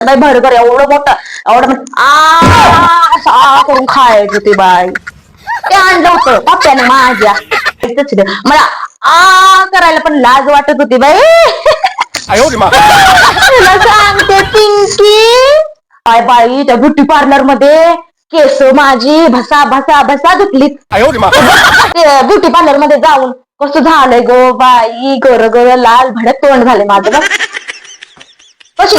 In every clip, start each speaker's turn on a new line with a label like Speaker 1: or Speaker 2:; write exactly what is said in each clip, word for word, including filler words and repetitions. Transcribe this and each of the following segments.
Speaker 1: बाई भरभर एवढं मोठं एवढं मोठं आ असं आ करून खायचं ते बाई. ते आणलं होतं पप्प्याने माझ्या. मला आ करायला पण लाज वाटत होती बाई. तुला सांगते पिंकी काय बाई त्या ब्युटी पार्लर मध्ये केस माझी भसा भसा भसा धुतलीत. ब्युटी पार्लर मध्ये जाऊन कसं झालंय गो बाई, गोर गोर लाल भडक तोंड झाले माझं बघ. कशी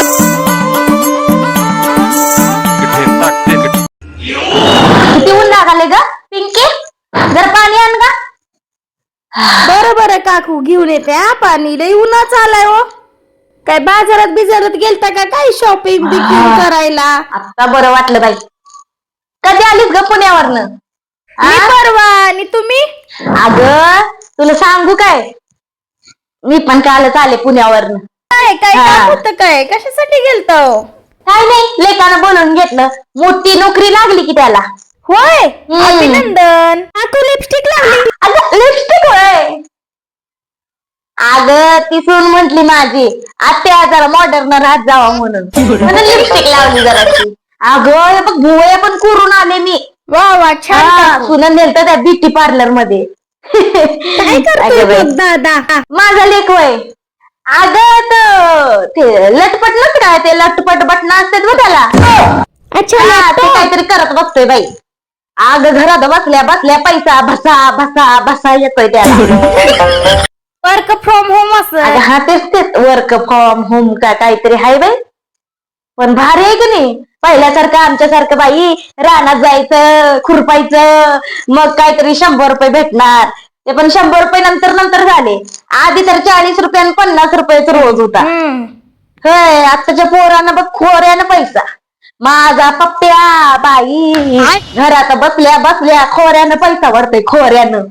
Speaker 1: किती ऊन लागले ग पिंकी, जर पाणी आण ग.
Speaker 2: बरं बरं काकू घेऊन येते हा पाणी, लई उन्हाच आलाय हो. काय बाजारात बिजारात गेलता का काय शॉपिंग बिपिंग करायला?
Speaker 1: आता बरं वाटलं बाई. कधी आलीस ग पुण्यावरनं?
Speaker 2: मी परवा. आणि तुम्ही?
Speaker 1: अगं तुला सांगू काय, मी पण कालच आले पुण्यावरनं.
Speaker 2: काय काय काम होतं काय, कशासाठी गेलता हो?
Speaker 1: काय नाही, लेकानं बोलून घेतलं, मोठी नोकरी लागली की त्याला.
Speaker 2: होय, अभिनंदन. काकू लिपस्टिक लागली.
Speaker 1: अगं लिपस्टिक होय. अगं ती सून म्हंटली माझी आत्या जरा मॉडर्न राहत जावा म्हणून म्हणून लिपस्टिक लावली जराशी. अगं बघ भुवया पण करून आले मी.
Speaker 2: वा वा छान.
Speaker 1: सुनन नेलत त्या ब्युटी पार्लर मध्ये.
Speaker 2: काय करतोय दादा?
Speaker 1: माझा लेक होय. अगं ते लटपट नसत काय, ते लटपट बटन असतात बघ त्याला.
Speaker 2: अच्छा
Speaker 1: ते काहीतरी करत बसतोय बाई. अगं घरात बसल्या बसल्या पैसा भसा भसा भसा येतोय त्याला.
Speaker 2: वर्क फ्रॉम होम असं.
Speaker 1: हा तेच तेच वर्क फ्रॉम होम का काहीतरी हाय बाई. पण भारी आहे की नाही, पहिल्यासारखं आमच्यासारखं बाई रानात जायचं खुरपायचं मग काहीतरी शंभर रुपये भेटणार. ते पण शंभर रुपये नंतर नंतर झाले. आधी तर चाळीस रुपये आणि पन्नास रुपयाचा रोज होता. होय आताच्या पोरानं बघ खोऱ्यानं पैसा. माझा पप्प्या बाई घरात बसल्या बसल्या खोऱ्यानं पैसा वाढतोय खोऱ्यानं.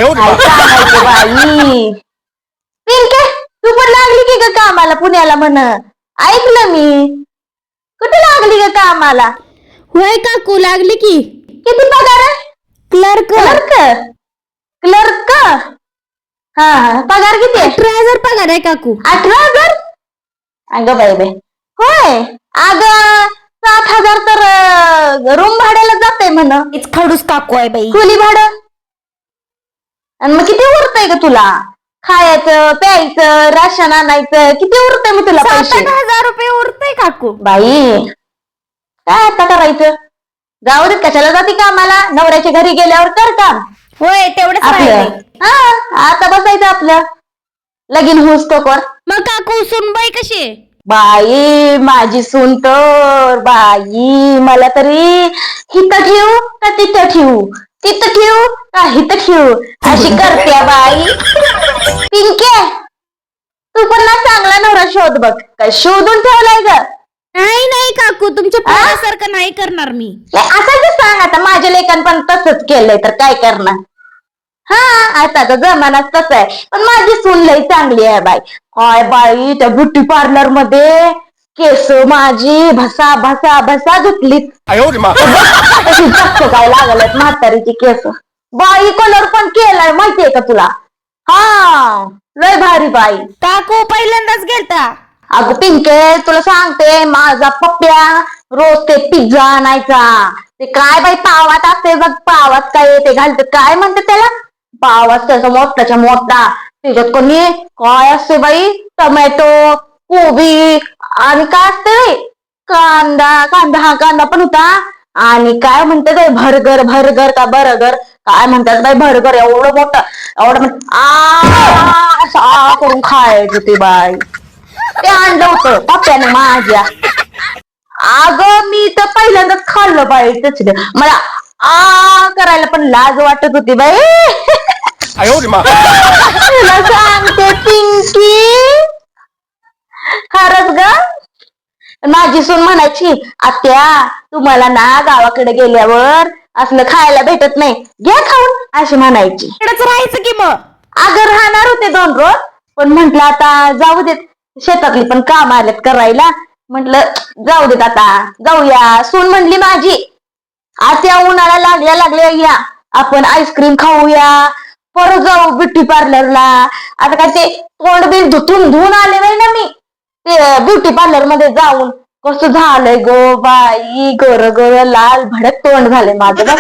Speaker 1: बाई पिंके तू पण लागली की ग कामाला पुण्याला म्हण, ऐकलं मी. कुठे लागली ग कामाला?
Speaker 2: होय काकू लागली की.
Speaker 1: किती पगार आहे?
Speaker 2: क्लर्क.
Speaker 1: क्लर्क क्लर्क हा हा पगार किती आहे?
Speaker 2: अठरा हजार पगार आहे काकू.
Speaker 1: अठरा हजार अगं बाई बाई. होय अगं सात हजार तर रूम भाड्याला जाते म्हण.
Speaker 2: खडूस काकू आहे बाई.
Speaker 1: खोली भाडं आणि मग किती उरतंय ग तुला? खायचं प्यायचं राशन आणायचं किती उरतंय मग तुला पैसे?
Speaker 2: सात हजार रुपये उरतंय काकू.
Speaker 1: बाई काय आता करायचं? जाऊ देत कशाला जाते कामाला, नवऱ्याच्या घरी गेल्यावर कर काम.
Speaker 2: होय तेवढंच
Speaker 1: आपलं
Speaker 2: राहिलंय.
Speaker 1: हा आता बसायचं आपलं लगीन होऊस तोवर.
Speaker 2: मग काकू सुनबाई कशी आहे?
Speaker 1: बाई माझी सून तर बाई मला तरी हिथं ठेवू का तिथं ठेवू, तिथं ठेवू का हिथं ठेवू अशी करते बाई. पिंके तू पण ना चांगला नवरा शोध बघ. काय शोधून ठेवलाय ग?
Speaker 2: नाही नाही काकू तुमच्या पोरासारखं नाही करणार मी.
Speaker 1: असं सांग आता माझ्या लेकान पण तसंच केलंय तर काय करणार. हा आता तर जमानाच तसा आहे. पण माझी सून लई चांगली आहे बाई. काय बाई त्या ब्युटी पार्लर मध्ये केस माझी भसा भसा भसा धुतलीत. काय लागल्यात म्हातारीची केस. बाई कलर पण केलाय माहितीये का तुला? हा लय भारी बाई.
Speaker 2: काकू पहिल्यांदाच गेलता?
Speaker 1: अगं पिंके तुला सांगते माझा पप्प्या रोज ते पिझ्झा आणायचा. ते काय बाई पावात असते बघ, पावात काय ते घालत काय म्हणतात त्याला, पावात त्याचा मोठाच्या मोठा त्याच्यात कोणी काय असते बाई टोमॅटो कोबी आणि काय असते बाई कांदा कांदा हा कांदा पण होता. आणि काय म्हणतात भरगर भरगर का बर्गर काय म्हणतात बाई भरगर एवढं मोठं एवढं मोठं आ असं करून खायचं ते बाई. ते आणलं होतं पप्प्याने माझ्या. अगं मी तर पहिल्यांदाच खाल्लं बाई त्याच. मला आ करायला पण लाज वाटत होती बाई. तुला सांगते पिंकी खरंच ग. माझी सून म्हणायची आत्या तुम्हाला ना गावाकडे गेल्यावर असलं खायला भेटत नाही घ्या खाऊन अशी म्हणायची.
Speaker 2: राहायचं की मग.
Speaker 1: अगं राहणार होते दोन रोज पण म्हंटल आता जाऊ देत, शेतातली पण काम आलेत करायला. म्हटलं जाऊ देत आता जाऊया. सून म्हणली माझी आत्या उन्हाळा लागल्या लागल्या या आपण आईस्क्रीम खाऊया परत जाऊ ब्युटी पार्लरला. आता काय ते तोंड बिल धुतून धुवून आले नाही ना मी ते ब्युटी पार्लर मध्ये जाऊन. कसं झालंय गो बाई, गोर गोर लाल भडक तोंड झालंय माझं बघ.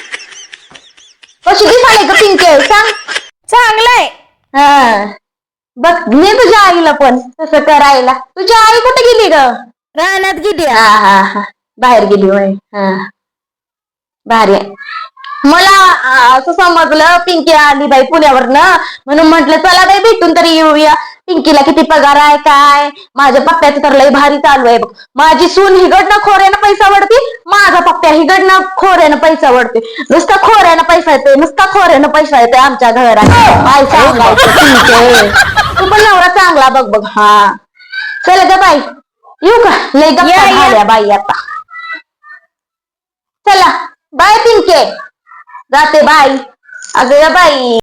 Speaker 1: कशी दिसायला ग पिंके सांग.
Speaker 2: चांगलंय.
Speaker 1: हा बघ मी तुझ्या आईला पण तसं करायला. तुझी आई कुठे गेली ग?
Speaker 2: रानात गेली.
Speaker 1: हा हा हा बाहेर गेली होय. हा भारी आहे. मला असं समजलं पिंकी आली बाई पुण्यावरनं, म्हणून म्हटलं चला बाई भेटून तरी येऊया. पिंकीला किती पगार आहे काय, माझ्या पप्प्याचं तर लय भारी चालू आहे बघ. माझी सून हिकडनं खोऱ्यानं पैसा वडती, माझा पप्प्या हिकडनं खोऱ्यानं पैसा वडते. नुसता खोऱ्यानं पैसा येतोय, नुसता खोऱ्यानं पैसा येतोय आमच्या घरात. काय सांगायचं पिंके, तू पण नवरा चांगला बघ बघ. हा चल ग बाई येऊ का, लय गप्पा झाल्या बाई आता. चला बाय पिंके, जाते बाई. अगं बाई.